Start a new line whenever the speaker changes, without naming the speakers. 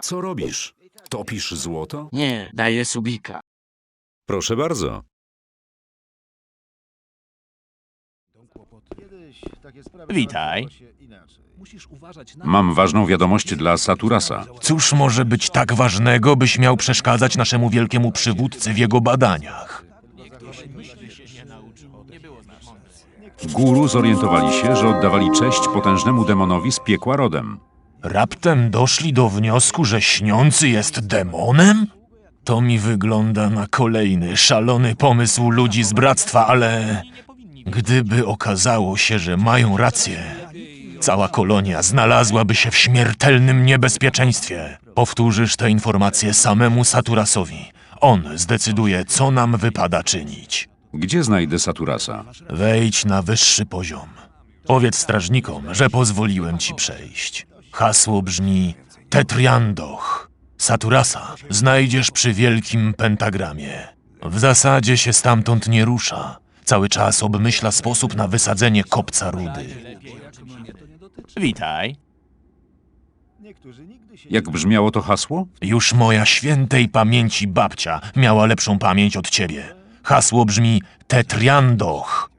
Co robisz? Topisz złoto?
Nie, daję subika.
Proszę bardzo.
Witaj.
Mam ważną wiadomość dla Saturasa.
Cóż może być tak ważnego, byś miał przeszkadzać naszemu wielkiemu przywódcy w jego badaniach?
Guru zorientowali się, że oddawali cześć potężnemu demonowi z piekła rodem.
Raptem doszli do wniosku, że śniący jest demonem? To mi wygląda na kolejny szalony pomysł ludzi z bractwa, ale gdyby okazało się, że mają rację, cała kolonia znalazłaby się w śmiertelnym niebezpieczeństwie. Powtórzysz tę informację samemu Saturasowi. On zdecyduje, co nam wypada czynić.
Gdzie znajdę Saturasa?
Wejdź na wyższy poziom. Powiedz strażnikom, że pozwoliłem ci przejść. Hasło brzmi Tetriandoch. Saturasa znajdziesz przy wielkim pentagramie. W zasadzie się stamtąd nie rusza. Cały czas obmyśla sposób na wysadzenie kopca rudy.
Witaj.
Jak brzmiało to hasło?
Już moja świętej pamięci babcia miała lepszą pamięć od ciebie. Hasło brzmi Tetriandoch.